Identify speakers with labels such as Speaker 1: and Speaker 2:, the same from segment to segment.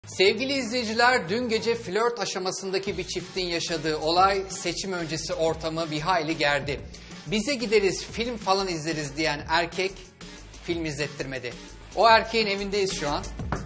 Speaker 1: Sevgili izleyiciler, dün gece flört aşamasındaki bir çiftin yaşadığı olay seçim öncesi ortamı bir hayli gerdi. Bize gideriz, film falan izleriz diyen erkek film izlettirmedi. O erkeğin evindeyiz şu an.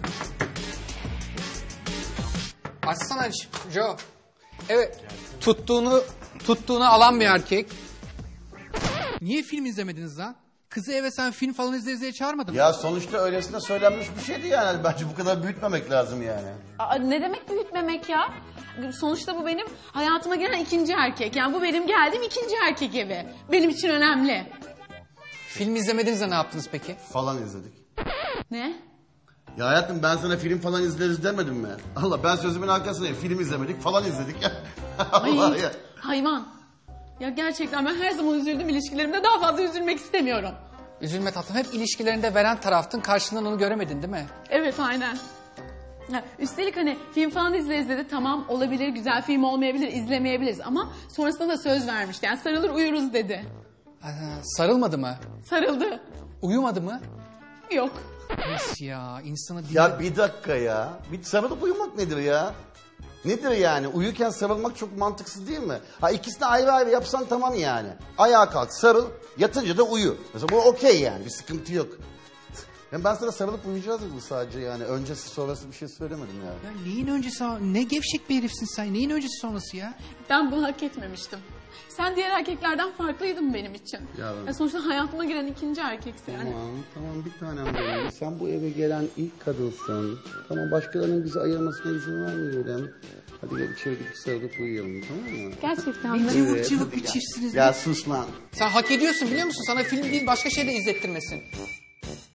Speaker 1: Açsana Joe. Evet, tuttuğunu alan bir erkek.
Speaker 2: Niye film izlemediniz lan? Kızı eve sen film falan izleriz diye çağırmadın mı?
Speaker 3: Ya sonuçta öylesine söylenmiş bir şeydi yani. Bence bu kadar büyütmemek lazım yani.
Speaker 4: Aa, ne demek büyütmemek ya? Sonuçta bu benim hayatıma gelen ikinci erkek. Yani bu benim geldiğim ikinci erkek evi. Benim için önemli.
Speaker 1: Film izlemediniz de ne yaptınız peki?
Speaker 3: Falan izledik.
Speaker 4: Ne?
Speaker 3: Ya hayatım ben sana film falan izleriz demedim mi? Allah ben sözümün arkasındayım. Film izlemedik falan izledik ya. Allah
Speaker 4: Ay,
Speaker 3: ya.
Speaker 4: hayvan. Ya gerçekten ben her zaman üzüldüm ilişkilerimde. Daha fazla üzülmek istemiyorum.
Speaker 1: Üzülme tatlım, hep ilişkilerinde veren taraftın, karşılığında onu göremedin değil mi?
Speaker 4: Evet aynen. Ha, üstelik hani film falan izleriz dedi. Tamam olabilir, güzel film olmayabilir, izlemeyebiliriz. Ama sonrasında da söz vermişti. Yani sarılır uyuruz dedi.
Speaker 1: Sarılmadı mı?
Speaker 4: Sarıldı.
Speaker 1: Uyumadı mı?
Speaker 4: Yok.
Speaker 1: Nasıl ya? İnsanı
Speaker 3: Ya bir dakika ya. Bir sarılıp uyumak nedir ya? Nedir yani? Uyurken sarılmak çok mantıksız değil mi? Ha ikisini ayrı ayrı yapsan tamam yani. Ayağa kalk, sarıl, yatınca da uyu. Mesela bu okey yani, bir sıkıntı yok. Yani ben sana sarılıp uyuyacağız dedim sadece yani. Öncesi sonrası bir şey söylemedim yani.
Speaker 2: Ya neyin öncesi, ne gevşek bir herifsin sen. Neyin öncesi sonrası ya?
Speaker 4: Ben bunu hak etmemiştim. Sen diğer erkeklerden farklıydın benim için. Ya sonuçta hayatıma giren ikinci erkeksin yani.
Speaker 3: Tamam bir tanem benim. Sen bu eve gelen ilk kadınsın. Tamam başkalarının bizi ayırmasına izin vermeyelim. Hadi gel içeri gidip sarılıp uyuyalım tamam mı?
Speaker 4: Gerçekten mi?
Speaker 2: Cıvık cıvık bir çiftsiniz.
Speaker 3: Ya sus lan.
Speaker 1: Sen hak ediyorsun biliyor musun? Sana film değil başka şey de izlettirmesin.